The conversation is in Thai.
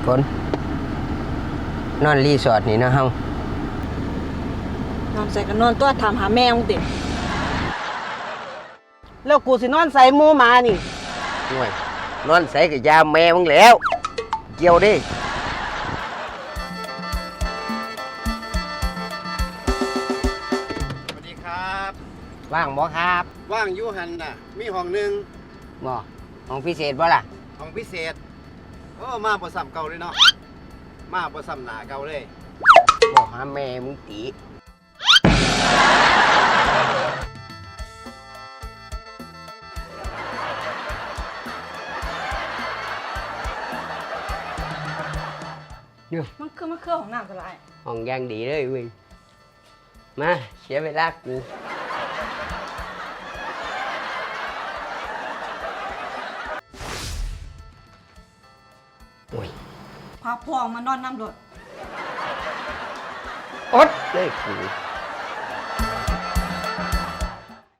ฝนนอนรีสอร์ทนี่นะเฮานอนใส่กันนอนตัวถามหาแม่มึงติแล้วกูสินอนใส่หมูหมานี่ห่วยนอนใส่กับยาแม่มึงแล้ว เกี่ยวดิสวัสดีครับว่างบ่ครับว่างอยูหันน่ะ มีห้องหนึ่งบ่ห้องพิเศษบ่ล่ะห้องพิเศษโอ้มาบ่ซ้ำเก่าเลยเนาะมาบ่ซ้ำหน้าเก่าเลยบ่หาแม่มึงตีเดี๋ยวมันคือของน้ำก็ไรห้องย่างดีเลยเว้ยมาเสียเวลากูโอ้ยพาพ่อมานอนน้ำรถอดเลยกู